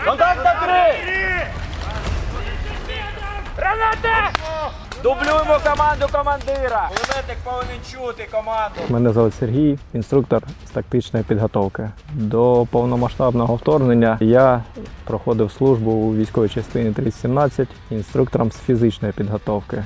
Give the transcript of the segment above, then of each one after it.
Контакт на 3! Граната! Дублюємо команду командира! Кулеметник повинен чути команду. Мене звуть Сергій, інструктор з тактичної підготовки. До повномасштабного вторгнення я проходив службу у військовій частині 3017 інструктором з фізичної підготовки.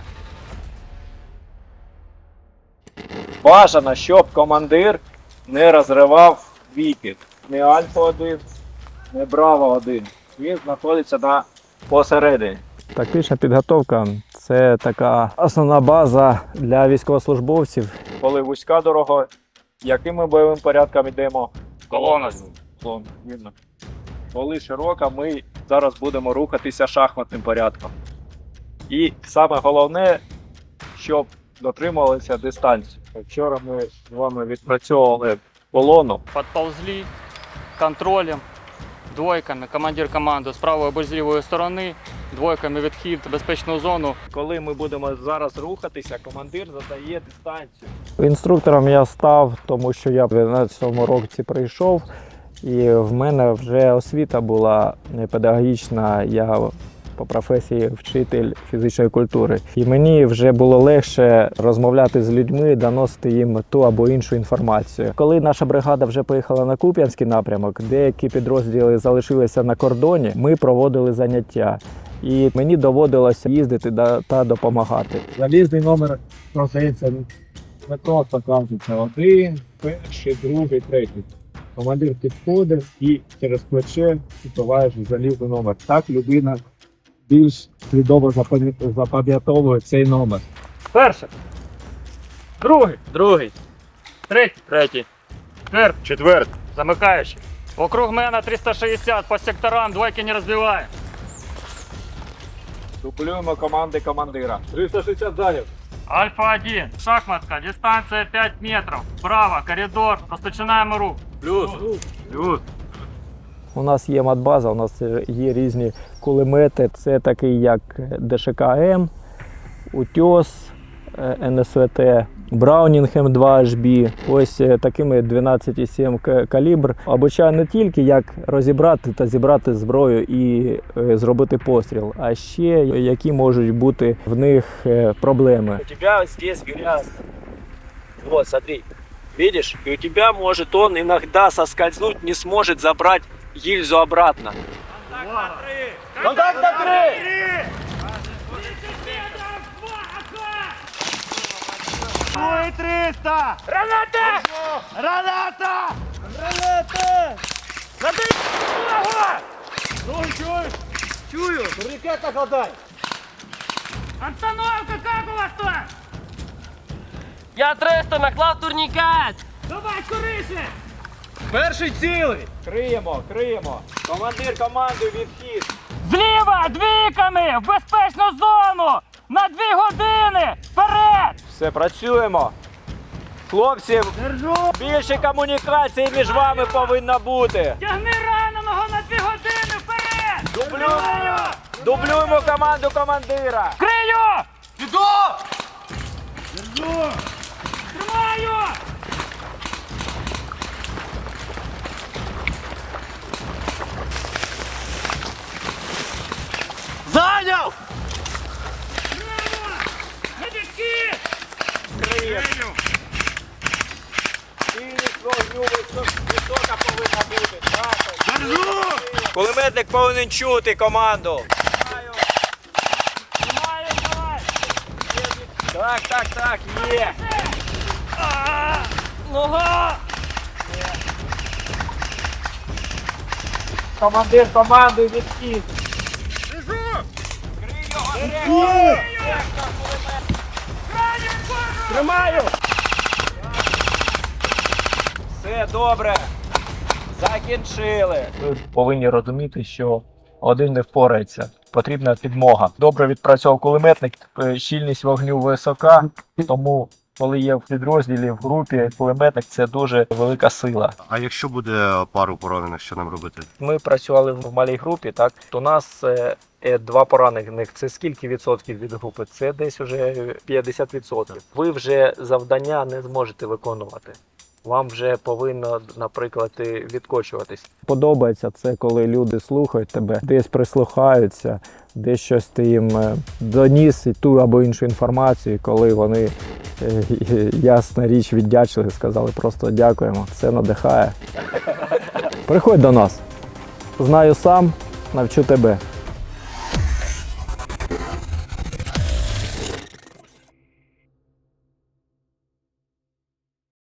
Бажано, щоб командир не розривав віків. Не Альфа-1, не Браво-1. Він знаходиться посередині. Тактична підготовка – це така основна база для військовослужбовців. Коли вузька дорога, яким ми бойовим порядком йдемо? Колона. Видно. Коли широка, ми зараз будемо рухатися шахматним порядком. І саме головне, щоб дотримувалися дистанції. Вчора ми з вами відпрацьовували колону. Подползли контролем, двойками, командир команди з правої або з лівої сторони, двойками відхід в безпечну зону. Коли ми будемо зараз рухатися, командир задає дистанцію. Інструктором я став, тому що я в 12-му році прийшов, і в мене вже освіта була педагогічна. Я по професії вчитель фізичної культури. І мені вже було легше розмовляти з людьми, доносити їм ту або іншу інформацію. Коли наша бригада вже поїхала на Куп'янський напрямок, деякі підрозділи залишилися на кордоні, ми проводили заняття. І мені доводилося їздити та допомагати. Залізний номер продається не просто кажуть, один, перший, другий, третій. Командир підходить і через плече відбуваєш залізний номер. Так людина більш свідомо запам'ятовує цей номер. Перший, другий, третій, Четвертий. замикаючий. Вокруг мене 360, по секторам, двойки не розбиваємо. Дублюємо команди командира. 360 зайняв. Альфа-1, шахматка, дистанція 5 метрів, вправо, коридор, розпочинаємо рух. Плюс. У нас є матбаза, у нас є різні кулемети. Це такий як ДШК-М, Утес, НСВТ, Браунінг М2HB. Ось такими 12,7 калібр. Обучаю не тільки як розібрати та зібрати зброю і зробити постріл, а ще які можуть бути в них проблеми. У тебя здесь грязно. Вот, смотри. Видишь? И у тебя может он иногда соскользнуть, не сможет забрать гильзу обратно. Контакт на 3! Ой, 300! Граната! Граната! Граната! Забей ногу! Ой, чуєш? Чую! Ракета хватай! Обстановка, як у вас тут? Я 300 наклав турнікет! Давай скоріше! Перший цілий! Криємо. Командир команди відхід. Зліва, двійками, в безпечну зону! На 2 години! Вперед! Все, працюємо. Хлопці, більше комунікації між вами повинно бути. Тягни раненого на 2 години! Вперед! Дублюємо команду командира. Крию! Іду! Тримаю! Зайняв! Медики! Криємо. Цільність вогню висока повинна бути. Кулеметник повинен чути команду. Тримаю, давай! Так, є. Нога! Командир команди відхід. Тримаю! Все добре. Закінчили. Ви повинні розуміти, що один не впорається. Потрібна підмога. Добре відпрацьовував кулеметник, щільність вогню висока, тому коли є в підрозділі, в групі кулеметник, це дуже велика сила. А якщо буде пару поранених, що нам робити? Ми працювали в малій групі, так, то у нас 2 поранених. Це скільки відсотків від групи? Це десь уже 50%. Ви вже завдання не зможете виконувати. вам вже повинно, наприклад, і відкочуватись. Подобається це, коли люди слухають тебе, десь прислухаються, десь щось ти їм доніс і ту або іншу інформацію, коли вони, ясна річ, віддячили, сказали просто дякуємо, це надихає. Приходь до нас. Знаю сам, навчу тебе.